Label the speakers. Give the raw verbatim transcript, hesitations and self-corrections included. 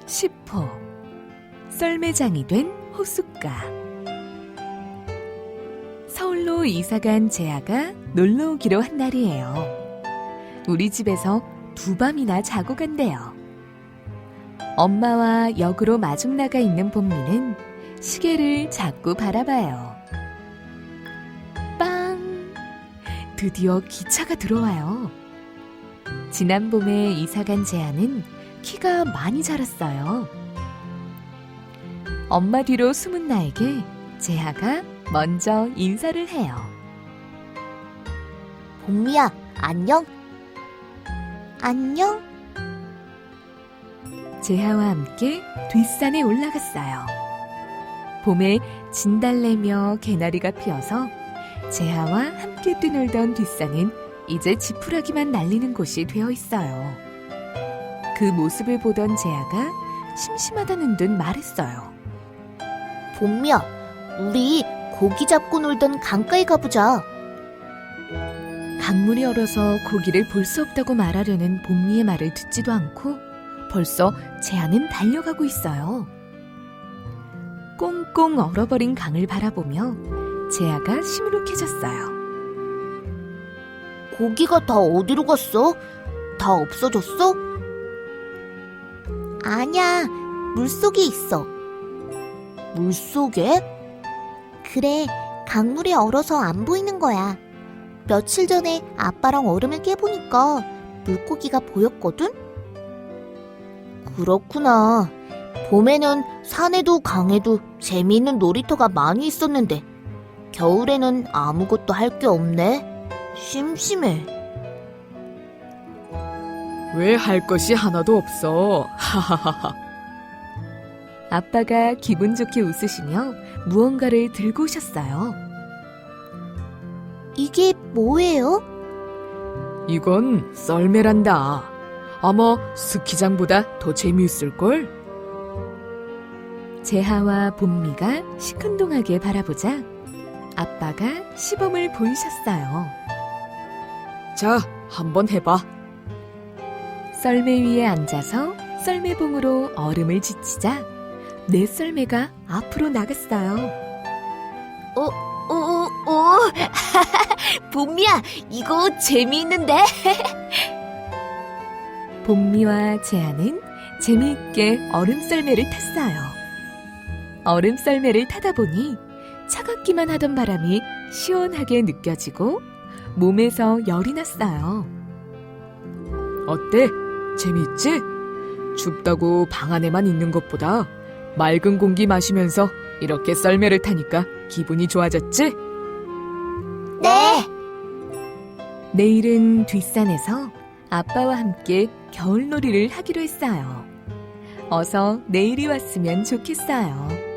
Speaker 1: 십 호 썰매장이 된 호숫가. 서울로 이사간 재하가 놀러 오기로 한 날이에요. 우리 집에서 두 밤이나 자고 간대요. 엄마와 역으로 마중 나가 있는 봄미는 시계를 자꾸 바라봐요. 빵! 드디어 기차가 들어와요. 지난 봄에 이사간 재하는 키가 많이 자랐어요. 엄마 뒤로 숨은 나에게 재하가 먼저 인사를 해요.
Speaker 2: 봄미야, 안녕? 안녕?
Speaker 1: 재하와 함께 뒷산에 올라갔어요. 봄에 진달래며 개나리가 피어서 재하와 함께 뛰놀던 뒷산은 이제 지푸라기만 날리는 곳이 되어 있어요. 그 모습을 보던 재하가 심심하다는 듯 말했어요.
Speaker 2: 봄미야, 우리 고기 잡고 놀던 강가에 가보자.
Speaker 1: 강물이 얼어서 고기를 볼 수 없다고 말하려는 봄미의 말을 듣지도 않고 벌써 재하는 달려가고 있어요. 꽁꽁 얼어버린 강을 바라보며 재하가 시무룩해졌어요.
Speaker 2: 고기가 다 어디로 갔어? 다 없어졌어? 아니야, 물속에 있어. 물속에? 그래, 강물이 얼어서 안 보이는 거야. 며칠 전에 아빠랑 얼음을 깨보니까 물고기가 보였거든? 그렇구나. 봄에는 산에도 강에도 재미있는 놀이터가 많이 있었는데 겨울에는 아무것도 할 게 없네. 심심해.
Speaker 3: 왜 할 것이 하나도 없어? 하하하하.
Speaker 1: 아빠가 기분 좋게 웃으시며 무언가를 들고 오셨어요.
Speaker 2: 이게 뭐예요?
Speaker 3: 이건 썰매란다. 아마 스키장보다 더 재미있을걸?
Speaker 1: 재하와 봄미가 시큰둥하게 바라보자 아빠가 시범을 보이셨어요.
Speaker 3: 자, 한번 해봐.
Speaker 1: 썰매 위에 앉아서 썰매봉으로 얼음을 지치자 내 썰매가 앞으로 나갔어요.
Speaker 2: 오, 오, 오. 봄미야, 이거 재미있는데?
Speaker 1: 봄미와 재하는 재미있게 얼음 썰매를 탔어요. 얼음 썰매를 타다 보니 차갑기만 하던 바람이 시원하게 느껴지고 몸에서 열이 났어요.
Speaker 3: 어때? 재미있지? 춥다고 방 안에만 있는 것보다 맑은 공기 마시면서 이렇게 썰매를 타니까 기분이 좋아졌지?
Speaker 2: 네.
Speaker 1: 내일은 뒷산에서 아빠와 함께 겨울놀이를 하기로 했어요. 어서 내일이 왔으면 좋겠어요.